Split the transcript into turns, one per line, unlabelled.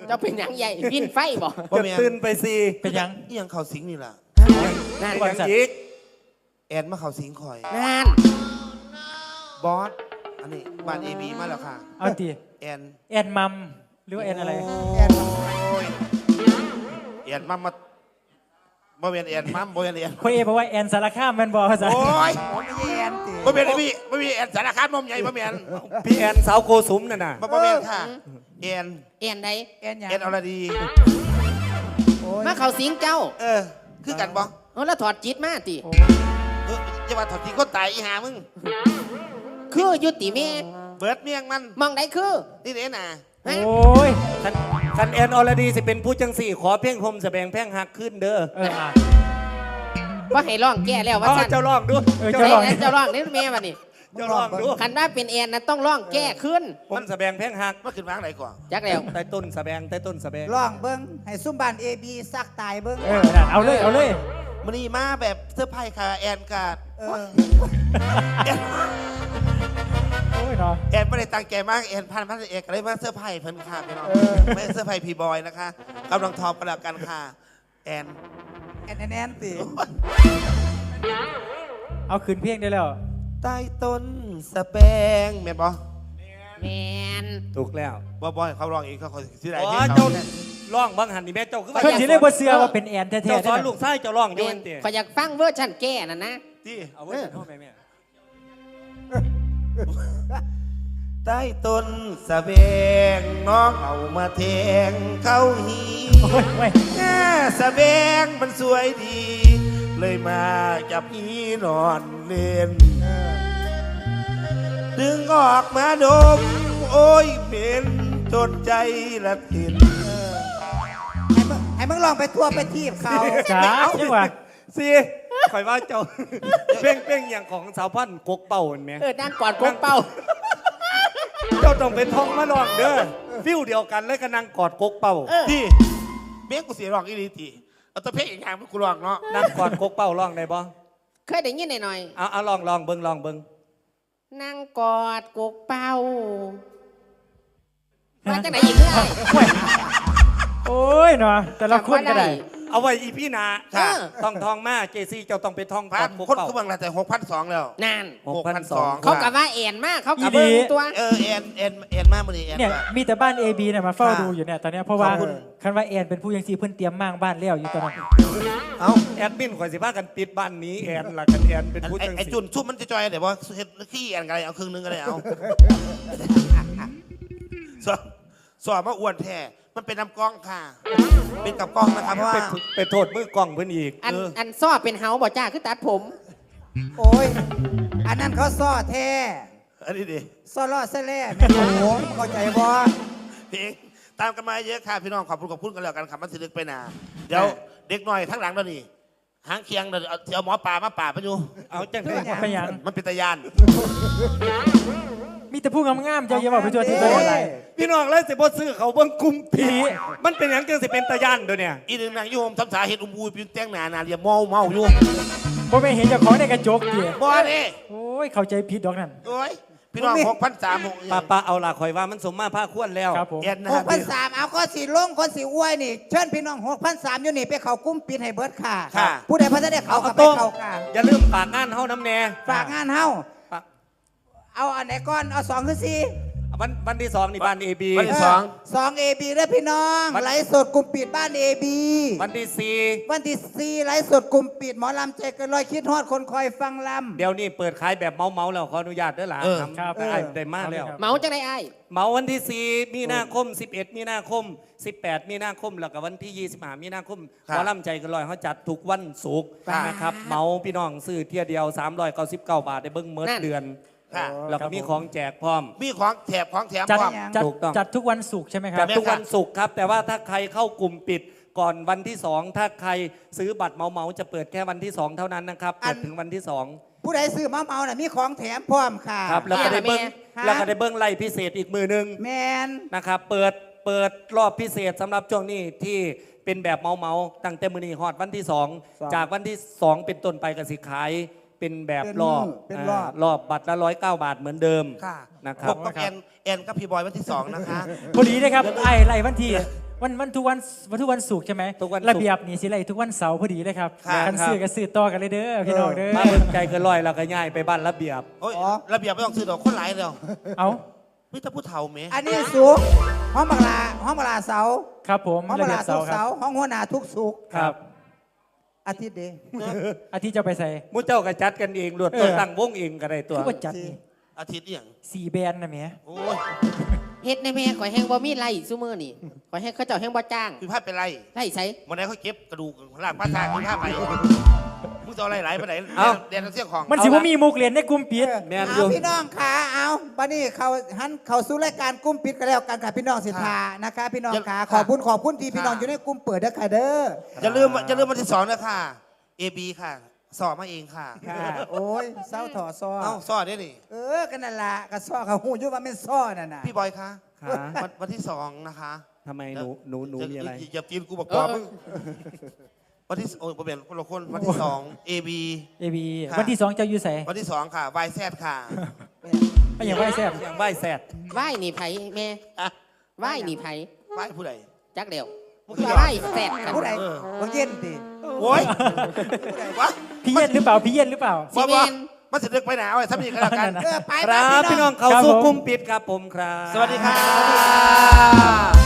จะเป็นหยังใหญ่พินไฟบ่
จะตื่นไปสิ
เป็นยัง
อีหยังเขาสิงนี่ล่ะ
นั่น
บริษัท
อีกแอนมาเขาสิงคอย
นั่น
บอสอันนี้บ้านเอบีมาแล้วค่ะ
เอาตี
แอน
แอนมัมหรือว่าแอนอะไร
แอนโอ้ยแอนมัมมาบ่เป็นแอนมัมบ่เป็นแอน
คนเอบอกว่าแอนสารคามแมันบอกภาษา
โอ้ย
ไม่ใช่แอนติ
บ่เป็นไอ้พี่บ่มีแอนสารคามนมใหญ่บ่แม่น
พี่แอนสาวโกสุมน่ะนะ
บ่แม่นค่ะแอน
เอ็นใด
แอนหยัง
แอนอรดี
โอ้ย
มาเขาสิงเจ้า
คือกันบ่
แล้วถอดจิตมาติ
จะมาถอดทีคนตายอีหามึง
คือยุติแม่
เบิดเมียงมัน
มองได้คือ
นี่เด้น่ะ
ฮะ
โอ้ย
คันแอนอรดีสิเป็นผู้จังสี่ขอเพ่งพรมแสดงแพ่งหักขึ้นเด้อ
ว่าให้ร้องแก้แล้วว่า
เอา
สั่น
เจ้าลองดู
เจ้าร้องเจ้าร้องนี่แม่มานี่
เจ้าลองดู
คันว่าเป็นแอนนะต้องร้องแก้ขึ้น
ผมแสดงแพ่งหัก
มาขึ้นวางไหนก่อน
จักแล้ว
ใต้ต้นแสดงใต้ต้นแสดง
ร้องเบิ้งให้ซุ่มบ้านเอบีซักตายเบิ้ง
นั่นเอาเลยเอาเลย
มันนี่มาแบบเสื้อร์ไผ่ค่ะแอนกาด
เออ
โอ้ยเนาะ
แอนไม่ได้ตั้งใจมากแอนพันเอกอะไรมาเสื้อร์ไผ่เพิ่นค่ะพี่น้องไม่เสื้อร์ไผ่พีบอยนะคะกำลังทอประดับกันค่ะแอน
แอนติ
เอาคืนเพียงได้แล้ว
ใต้ต้นสแปงแม่นบอ
แมน
ถูกแล้ว
บอยเขาร้องเองเขาที่ไหน
อ๋อ
เนี่ย
เจ้า
เขา
ร้องบังหันนี่แม่เจ้าคือว่า
เพื่อนสิเรียกว่าเสือว่าเป็นแอนแท้ๆ
เจ้าสอน
ได้
ลูกชายเจ้าร้องอ
แม
ยู่
น
เตี้ย
ขอยอยากฟังเวอร์ชันแก้น่ะนะ
ที่
เอาไว้เข้าไปแม่
ใต้ต้นสแปงน้องเอามาแทงเข้าหี
โอ้ยไม่
แง่สแปงมันสวยดี เลยมาจับอีนอนเล่น ดึงออกมาดม โอ้ยเป็นจนใจละทิน
ให้มึงลองไปทั่วไปทีบเขา
จ้าจังหวะ
สิข่อยว่าเจ้าเป้งอย่างของสาวพันธุ์กกเป่าเห็นไหม
นั่งกอดกกเป้า
เจ้าต้องเป็นทองมาลองเด้อฟิวเดียวกันเลยก็นั่งกอดกกเป่า
ที่เบี้ยกูเสียร้องอีดีตีเอาแตัวเพลงอีกอย่างมันกูร้องเนาะ
นั่งกอดกกเป่าร้องได้บ่
เคยได้ยินหน่อย
เอาลองเบิ่งลองเบิ่ง
ๆนั่งกอดกกเป้ามาจากไหนอีกเรื่อย
โอ้ยเนาะแต่ละคนก็ได้
เอาไว้อีพี่นา
ค่ะ
ต้องทองมาเจซี่เจ้าต้องเป็นทองก
พั
อน ดกก
คน
เป่า
เขาบังแล้วแต่6,200แล้ว
นั่น
6,200
เขากับว่าแอนมากเขากับเบิ้งตัว
แอนมากมือนี้แอน
เนี่ย
แบบ
มีแต่บ้าน AB เนี่ยมาเฝ้า
ค่ะ
ดูอยู่เนี่ยตอนเนี้ยเพราะว่า
ขอบคุณ
คันว่าแอนเป็นผู้ยังซีเพิ่นเตรียมมั่างบ้านแล้วอยู่ตอนนั้น
เอา
แอดมินข่อยสิพากันปิดบ้านนี้แอนล่ะกันแอนเป็นผู้จัง
ไอ้
สิ
จุนชุ่มมันจะจอยเดี๋ยวว่าเฮ็ดขี้แอนกันอะไรเอาครึ่งนึงก็ได้เอาสอบมาอ้วนแท้มันเป็นน้ำกล้องค่ะ เป็นกับกล้องนะครับเพราะว่า
ไปโทษมือกล้องเพิ่นอีก
อันซ้อเป็นเฮาบ่จ้าคือตัดผม
โอ้ยอันนั้นเขาซ่อแท้
อันนี้ดิ
ซ่อล่อเสล่แม่โอ้โหเข้าใจบ่
เพลงตามกันมาเยอะค่ะพี่น้องขอบคุณกันแล้วกันครับมันสิลึกไปหนาเดี๋ยวเด็กหน่อยทั้งหลังเรานี่หางเคียงเดี๋ยวเอาหมอป่ามาป่าไปอยู่
เอาจังได๋
ไปหยัง
มันเป็นตะยาน
มีแต่ผู้งามๆเจ้าอย่าบอกไปทัวร์ที่ตัวอะไร
พี่น้องเลยสิบ่ซื้อเขาเบิ่งกลุ่มผีมันเป็นหยังจังสิเป็นตะย่านเด้อเนี่ย
อีหนึ่งนางโยมทำสาเหตุอูปีนแต้งหนาเรียมเมาอยู่
บ่ไม่เห็นเจ้าของในกระจกเดีย
บ่นี่
โอ้ยเข้าใจผิดดอกนั่น
โอ้ยพี่น้อง6,300
ป้าเอาล่ะข่อยว่ามันสมมาภาคควรแล้ว
ครับผม
เอ็นนะ
6,300เอาก็สิลงคนสิอ้วยนี่เชิญพี่น้อง6,300อยู่นี่ไปเข้ากลุ้มปิดให้เบิดค่ะ
ค่ะ
ผู้ใดพระจะได้เขาก็ไป
โต้ง
เข้าค่ะ
อย่าลืมฝากงานเฮาน้ำแน่
ฝากงานเฮา
ฝาก
เอาอันไหนก่อนเอา2คือ4
วันที่2นี่บ้าน AB
วันที่
2 AB เด้อพี่น้อง
วัน
ไลฟ์สดกลุ่มปิดบ้าน AB
วันที่
วันที่4ไลฟ์สดกลุ่มปิดหมอลำใจเกันลอยคิดฮอดคนคอยฟังล
4เดี๋ยวนี้เปิดขายแบบเมาแล้วขออนุญาตเด้อหล่ะ
ครับ
ได้มากแล้ว
เมาจังไดอ้าย
เมาวันที่ 4 มีนาคม 11 มีนาคม 18 มีนาคม แล้วก็วันที่ 25 มีนาคมหมอลำใจเกันลอยเขาจัดทุกวันศุกร์นะครับเมาพี่น้องซื้อเที่ยเดียว 399 บาทได้เบิ้งเมิดเดือน
ค่ะ
แล้วก็มีของแจกพร้อม
มีของแถบของแถม
จัด
พร้อม
จัด
ถูกต้อง
จัดทุกวันศุกร์ใช่ไหมค
จั
รั
ด
บ
ทุกวันศุกร์ครับ แต่ว่าถ้าใครเข้ากลุ่มปิดก่อนวันที่ 2 ถ้าใครซื้อบัตรเมาจะเปิดแค่วันที่ 2 เท่านั้นนะครับเปิดถึงวันที่ 2
ำผู้ใดซื้อเมาน่ะมีของแถมพร้อมค่ะ
ครับแล้วก็ได้เบิ้ง
ค่ะ
แล้วก็ได้เบิ้งไล่พิเศษอีกมือหนึง
แมน
นะครับเปิดรอบพิเศษสำหรับช่วงนี้ที่เป็นแบบเมาตั้งแต่มือนี้ฮอดวันที่ 2 จากวันที่ 2 เป็นต้นไปก็สิขายเป็นแบบรอบ
เป็นรอบ
รอบบัตรละ109 บาทเหมือนเดิม
ค่ะ
นะค
พ
รั
บบ กับแอนกับพี่บอยวันที่ 2 นะคะ
พอดีนะครับไอ้ไล่วันที่วันทุกวันศุกร์ใช่ไหม
ทุกวันศุกร์
ระเบียบนี่สิไรทุกวันเสาร์พอดีเลยครับ
ครับ
กันซื้อกันซื้อต่อกันเลยเด้อพี่น้องเด้อ
มาเบิ่งใจเกินร้อยแล้วก็ย้ายไปบ้านระเบียบ
โอ้ยระเบียบไม่ต้องซื้อดอกคนหลายเดียว
เอา
มิตรผู้เฒ่าเม
อันนี้สุกห้องบักลาเสา
ครับผม
ห้อง
ระ
บัก
เบีย
ลา
บ
ทุ
เสาก ร์ค
เสา
รับ
ห้องหัวหน้าทุกสุก
ครับ
อาทิตย์เดี
อาทิตย์จะไปใส่
หมูเจ้าก็จัดกันเองรวดตัวตั้งวงเองก็ได้ตัว
คือว่าจัดนี่
อาทิตย์เนี่ยง
4 แบรนด์นะแหม่
โอ้ย
เฮ็ดในแม่ข่อยแห้งบ่มีไรซุมื้อนี่ข่อยให้เขาเจ้าแห้งบ่จ้าง
พี่พาดเป็นไร
ไล่ใช้
วันไหนเขาเก็บกระดูกล่างป้าตาพี่พาดไปมึงจะเอาอะไรหลายไปไหนเรียนเสี้ยงของ
มันสิว่ามีมุกเรียนในกลุ่มปิด
แม่นอ
เอา
ยู่
พี่น้องขาเอาบัดนี้เขาสู่รายการกุ้มปิดกันแล้วกันค่ะพี่น้องสิทธานะคะพี่น้องขาขอบคุณที่พี่น้องอยู่ในกุ้มเปิดเด้อค่ะเด้อ
อย่าลืมวันที่2นะค่ะ AB ค่ะ สอบมาเองค่ะ
ค่ะโอ้ยเศร้าถอซอ
เอ้าสอบได้นี่
กันนั่นละกระซ้อเขาหูอยู่ว่าเป็นซ้อนั่นน่ะ
พี่บอยคะ
ค่ะ
วันที่2นะคะ
ทำไมหนูมีอะไร
อย่าตีนกูบอกกอบมึงวันที่โอ้ยผมเปลี่ยนคนละคนวันที่2 AB
AB
ค่ะ
วันที่ 2 เจ้าอยู่ใส่
วันที่2ค่ะ YZ ค่ะ
ไม่อย่างว่าแซ่บ
อย่างไหว้แซด
ไหว้นี่ไผแม่
อะ
ไหว้นี่ไผ
ไหว้ผู้ใด
จักเดียว
มึงคือ
ไหว้แซ่บกัน
ผู้ใดบ่เย็นดิ
โอ้ย วะ
พี่เย็นหรือเปล่าพี่เย็นหรือเปล่า
สิแม่น
มันจะเลือกไปหนาวไอ้ถ้ามีกันแล้วกัน
ไป
ครับพี่น้องเขา
ครับ
สู้
ผม
กลุ่มปิดครับผมครับ
สวัสดีค่ะ